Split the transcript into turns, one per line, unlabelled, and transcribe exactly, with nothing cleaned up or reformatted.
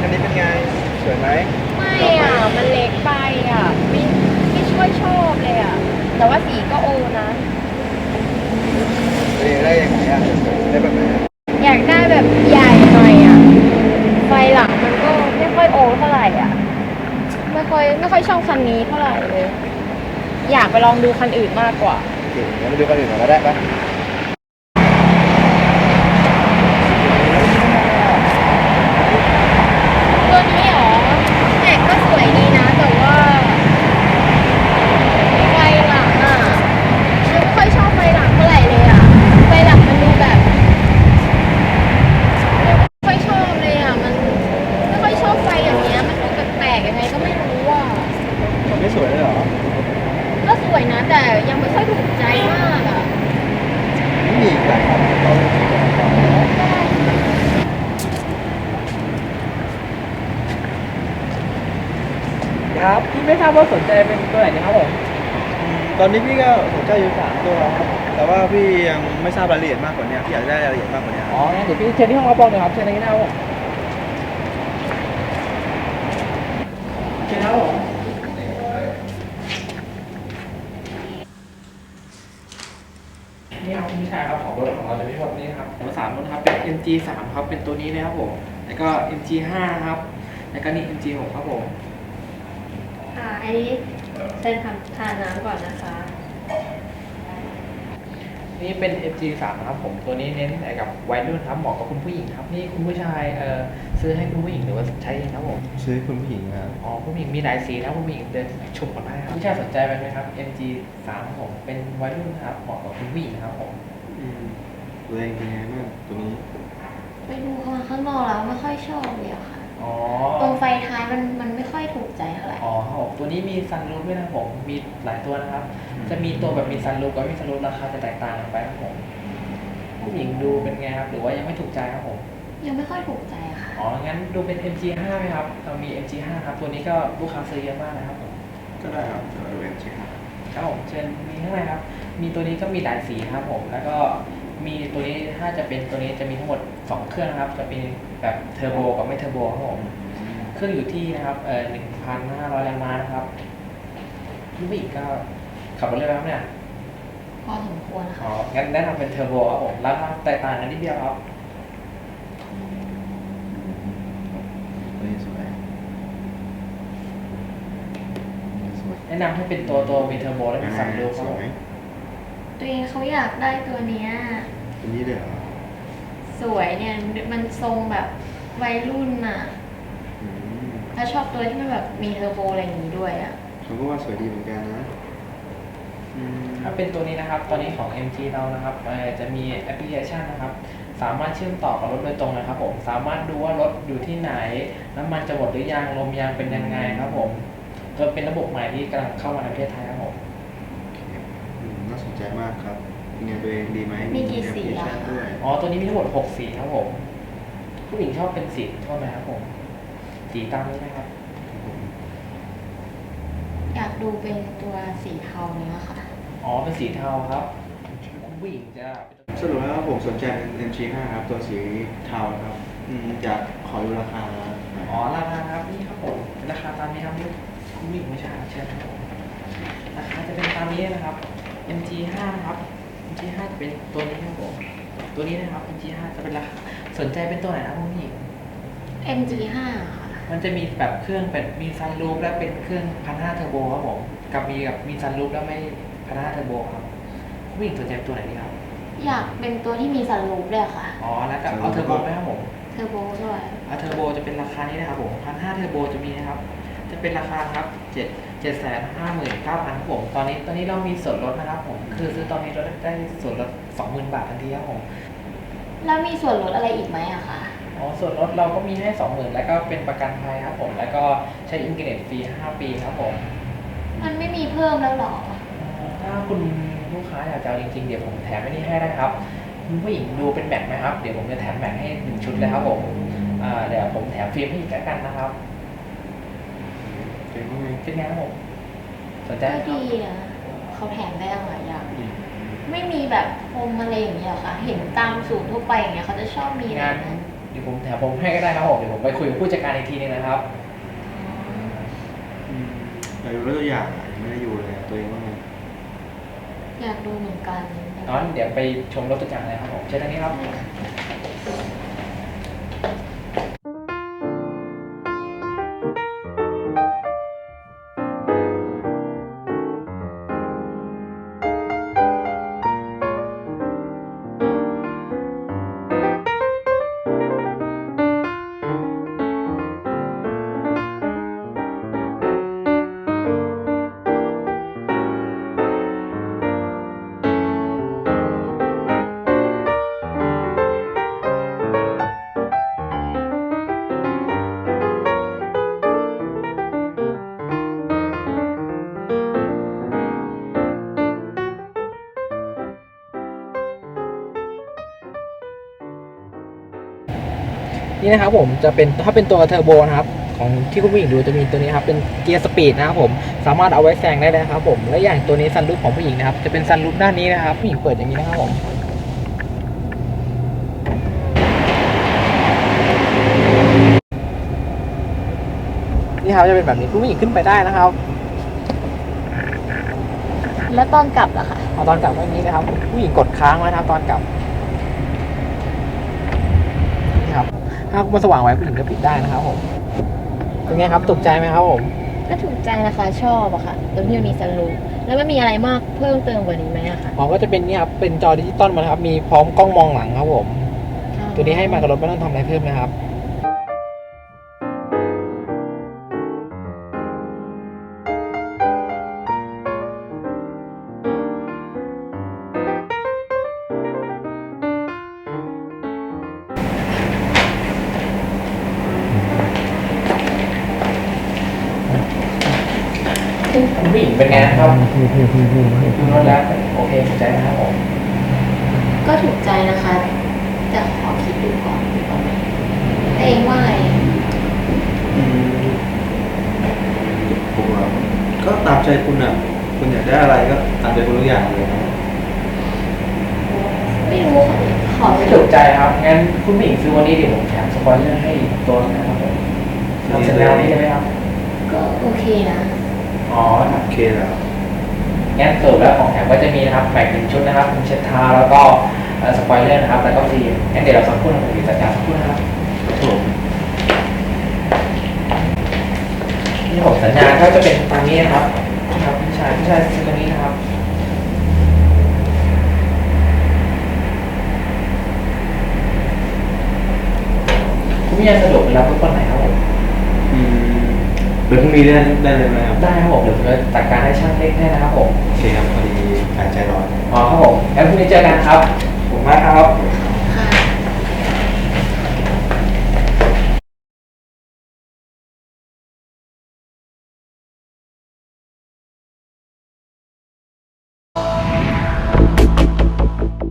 คันนี้เป็นไงสวยไหม
ไม่
ชอบไหม
อ่ะมันเล็กไปอ่ะไม่ไม่ช่วยชอบเลยอ่ะแต่ว่าสีก็โอนะ
เรียนได้ยังไงอ่ะได้แบบไหนอะ
อยากได้แบบใหญ่หน่อยอ่ะไฟหลังมันก็ไม่ค่อยโอเท่าไหร่อ่ะไม่ค่อยไม่ค่อยชอบคันนี้เท่าไหร่เลยอยากไปลองดูคันอื่นมากกว่า
เก่งงั้นมาดูคันอื่นก่อนก็ได้ปะ
ตัวนี้เหรอแม็กก็สวยดีนะแต่ว่าไฟหลังอ่ะฉันไม่ค่อยชอบไฟหลังเท่าไหร่เลยอ่ะไฟหลังมันดูแบบไม่ค่อยชอบเลยอ่ะมันไม่ค่อยชอบไฟอย่างเงี้ยมันดูแปลกๆยังไงก็ไม่รู้อ่ะ
มันไม่สวยเลยเหรอ
ก็สวยนะแต่ยังไม่ค่อยถูกใจมากอ่ะ
ไม่มีอีกหลายคันเราเลยคิดว่า
ครับพี่ไม่ทราบว่าสนใจเป็นตัวไหนนะครับผม
อืมตอนนี้พี่ก็สนใจอยู่สามตัวครับแต่ว่าพี่ยังไม่ทราบรายละเอียดมากกว่านี้พี่อยากได้รายละเอียดมากกว่านี้
อ๋องั้นเดี๋ยวพี่เชิญที่ห้องรับรองเลยครับเชิญทางนี้นะครับผมเชิญครับผมนี่ครับคุณผู้ชายครับของรถของเราจะมีหมดนี้ครับของสามรถครับเป็น เอ็ม จี สามครับเป็นตัวนี้เลยครับผมแล้วก็ เอ็ม จี ห้าครับแล้วก็นี่ เอ็ม จี หกครับผม
ค่ะอันนี้เชิญทำทานน้ำก่อนนะคะ
นี่เป็น เอ็ม จี สาม นะครับผมตัวนี้เน้นใส่กับวัยรุ่นครับเหมาะกับคุณผู้หญิงครับนี่คุณผู้ชายเอ่อซื้อให้คุณผู้หญิงหรือว่าใช้เองครับผม
ซื้อคุณผู้หญิงครับ
อ๋อผู้หญิงมีหลายสีนะผู้หญิงเดินชมกันได้ครับผู้ชายสนใจไหมครับ เอ็ม จี สาม ครับผมเป็นวัยรุ่นครับเหมาะกับคุณผู้หญิงครับผม
อืมตัวเองเป็นไงบ้างตัวนี้
ไปดูมาข้างนอกแล้วไม่ค่อยชอบเลยอะค่ะ
อ๋อ
ตรงไฟท้ายมันมันไม่ค่อยถูกใจเท่าไหร่
อ๋อครับผมตัวนี้มีซันรูฟด้วยนะครับผมมีหลายตัวนะครับ จะมีตัวแบบมีซันรูฟกับไม่มีซันรูฟราคาจะแตกต่างกันไปครับผมผู้หญิงดูเป็นไงครับหรือว่ายังไม่ถูกใจครับผม
ยังไม่ค่อยถูกใจอะค่ะ
อ๋อ งั้นดูเป็น เอ็ม จี ห้า ไหมครับ เรามี เอ็ม จี ห้า ครับ ตัวนี้ก็ลูกค้าซื้อเยอะมากนะครับผม
ก็ได้ครับเดี๋ยวดูเองใช่ครับ
ครับผม เชิญมีข้างในครับ มีตัวนี้ก็มีหลายสีครับผม แล้วก็มีตัวนี้ถ้าจะเป็นตัวนี้จะมีทั้งหมดสองเครื่องนะครับ จะเป็นแบบเทอร์โบกับไม่เทอร์โบครับผม เครื่องอยู่ที่นะครับ เอ่อหนึ่งพันห้าร้อยแรงม้านะครับลูกผู้หญิงก็ขับรถเร็วไหมครับเนี่ย
พอสมควรนะ
อ๋อ
คะ
งั้นแนะนำเป็นเทอร์โบครับผม ราคาแตกต่างกันนิดเดียวครับ
ตัวนี้สวยสวย
แนะนำให้เป็นตัวตัวมีเทอร์โบและมีซันรูฟค
ส
รับผ
ว
ม
ย
ตัวเองเขาอยากได้ตัวเนี้ย
ตัวนี้เลยเหรอ
สวยเนี่ยมันทรงแบบวัยรุ่นน่ะ
อืม
แล้วชอบตัวที่มันแบบมีเทอร์โบอะไรอย่างนี้ด้วยอะ
เขาก็ว่าสวยดีเหมือนกันนะอืม
ถ้าเป็นตัวนี้นะครับ ตอนนี้ของ เอ็ม จี เรานะครับเอ่อจะมีแอปพลิเคชันนะครับ สามารถเชื่อมต่อกับรถโดยตรงนะครับผม สามารถดูว่ารถอยู่ที่ไหน น้ำมันจะหมดหรือยัง ลมยางเป็นยังไงครับผมก็เป็นระบบใหม่ที่กำลังเข้ามาในประเทศไทยครับผม
อืมน่าสนใจมากครับเป็นไงตัวเองดีไหม
มีกี่สี
แอปพลิเค
อะ
ชัน
คะ
ด้วย
อ๋อ ตัวนี้มีทั้งหมดหกสีครับผม ผู้หญิงชอบเป็นสีโทษนะครับผม สีตามนี้นะครับ
อยากดูเป็นตัวสีเทาเนี้ยค่ะ
อ๋อ เป็นสีเทาครับ ผู้หญิงจะ
สรุปแล้วผมสนใจเป็น เอ็ม จี ห้า ครับตัวสีเทาครับอืมอยากขอดูราคาหน่อย
อ๋อ ราคาครับนี่ครับผม ราคาตามนี้ครับนี่คุณผู้หญิงไม่ใช่ครับเชิญครับผมราคาจะเป็นตามนี้นะครับ เอ็ม จี ห้า นะครับ เอ็ม จี ห้า จะเป็นตัวนี้ครับผม ตัวนี้นะครับ เอ็ม จี ห้า จะเป็นราคาสนใจเป็นตัวไหนนะครับคุณผู้หญิง
เอ็ม จี ห้า ค่ะ
มันจะมีแบบเครื่องเป็นมีซันรูฟและเป็นเครื่องพันห้าเทอร์โบครับผมกับมีกับมีซันรูฟแล้วไม่พันห้าเทอร์โบครับผู้หญิงสนใจตัวไหนดีครับ
อยากเป็นตัวที่มีซันรูฟด้วยค่ะ
อ๋อแล้วก็เอาเทอร์โบไหมครับผม
เทอร์โบด้วย
เอาเทอร์โบจะเป็นราคานี้นะครับผมพันห้าเทอร์โบจะมีนะครับ จะเป็นราคาครับเจ็ดเจ็ดแสนห้าหมื่นเก้าพันครับผมตอนนี้ตอนนี้เรามีส่วนลดนะครับผมคือซื้อตอนนี้เราได้ส่วนลดสองหมื่นบาททันทีครับผม
แล้วมีส่วนลดอะไรอีกไหมอะคะ
อ๋อส่วนลดเราก็มีให้สองหมื่นแล้วก็เป็นประกันภัยครับผมแล้วก็ใช้อินเทอร์เน็ตฟรีห้าปีครับผม
มันไม่มีเพิ่มแล้วหรอ
ถ้าคุณลูกค้าอยากจะเอาจริงๆเดี๋ยวผมแถมไอ้นี่ให้ได้ครับคุณผู้หญิงดูเป็นแม็กไหมครับเดี๋ยวผมจะแถมแม็กให้หนึ่งชุดเลยครับผมอ่าเดี๋ยวผมแถมฟิล์มให้อีกแล้วกันนะครับ
เป็นยังไง
เป็นไงครับผมสนใจ
ก็
ไหมครับ
ดีนะเขาแถมได้ตั้งหลายอย่าง
อืม
ไม่มีแบบพรมอะไรอย่างเงี้ยเหรอคะ เห็นตามศูนย์ทั่วไปอย่างเงี้ยเขาจะชอบมีอะไร
งาน
นะ
เดี๋ยวผมแถมผมให้ก็ได้ครับผมเดี๋ยวผมไปคุยกับผู้จัดการอีกทีนึงนะครับ
อืมอยากดูตัวอย่างอะยังไม่ได้ดูเลยอะตัวเองว่าไง
อยากดูเหมือนกัน
งั้นเดี๋ยวไปชมรถตัวอย่างเลยครับผมเชิญทางนี้ครับ นี่นะครับผมจะเป็นถ้าเป็นตัวเทอร์โบนะครับของที่คุณผู้หญิงดูจะมีตัวนี้ครับเป็นเกียร์สปีดนะครับผมสามารถเอาไว้แซงได้เลยครับผมและอย่างตัวนี้ซันรูฟของผู้หญิงนะครับจะเป็นซันรูฟด้านนี้นะครับผู้หญิงเปิดอย่างนี้นะครับผมนี่ครับจะเป็นแบบนี้คุณผู้หญิงขึ้นไปได้นะครับ
แล้วตอนกลับล่ะคะ
เอาตอนกลับไว้อย่างนี้นะครับผู้หญิงกดค้างไว้นะครับตอนกลับนี่ครับถ้ามันสว่างไว้ผู้หญิงก็ปิดได้นะครับผมเป็นไงครับตกใจไหมครับผม
ก็ถูกใจนะคะชอบอะค่ะตรงที่มันมีซันรูฟแล้วไม่มีอะไรมากเพิ่มเติมกว่านี้ไหมอะคะ
อ๋อก็จะเป็นนี่ครับเป็นจอดิจิตอลมานะครับมีพร้อมกล้องมองหลังครับผมตัวนี้ให้มากับรถไม่ต้องทำอะไรเพิ่มนะครับ คุณผู้หญิงเป็นไงนะครับดูรถแล้วโอเคถูกใจนะครับผม
ก็ถูกใจนะคะ แต่ขอคิดดูก่อนดีกว่าไหมแต่เองว่าไง
อืมผมว่าก็ตามใจคุณอ่ะ คุณอยากได้อะไรก็ตามใจคุณทุกอย่างเลยนะ
ไม่รู้ค่ะขอ
ไม่ถูกใจครับงั้นคุณผู้หญิงซื้อวันนี้เดี๋ยวผมแถมสปอยเลอร์ให้อีกตัวนึงนะครับผมทำเสร็จแล้วนี้ใช่ไหมครับ
ก็โอเคนะ
อ๋อครับ
โอเคแล้ว
งั้นสรุปแล้วของแถมก็จะมีนะครับแม็กหนึ่งชุดนะครับเป็นเช็ดเท้าแล้วก็เอ่อสปอยเลอร์นะครับแล้วก็ฟิล์มงั้นเดี๋ยวเราสักครู่นะครับผมจัดการสักครู่นะครับ
ครับผม
ที่ผมสัญญาก็จะเป็นตามนี้นะครับครับพี่ชายพี่ชายซื้อตรงนี้นะครับคุณพี่ยังสะดวกเวลาทุกคนไหนครับผม
อืมเดี๋ยวพรุ่งนี้ได้ได้เลยไหมครับ
ได้ครับผมเดี๋ยวผมจะจัดการให้ช่างเล็กให้นะครับผม
โอเคครับพอดีหายใจร้อน
อ๋อครับผมงั้นพรุ่งนี้เจอกันครับ
ผมมากครับ
ค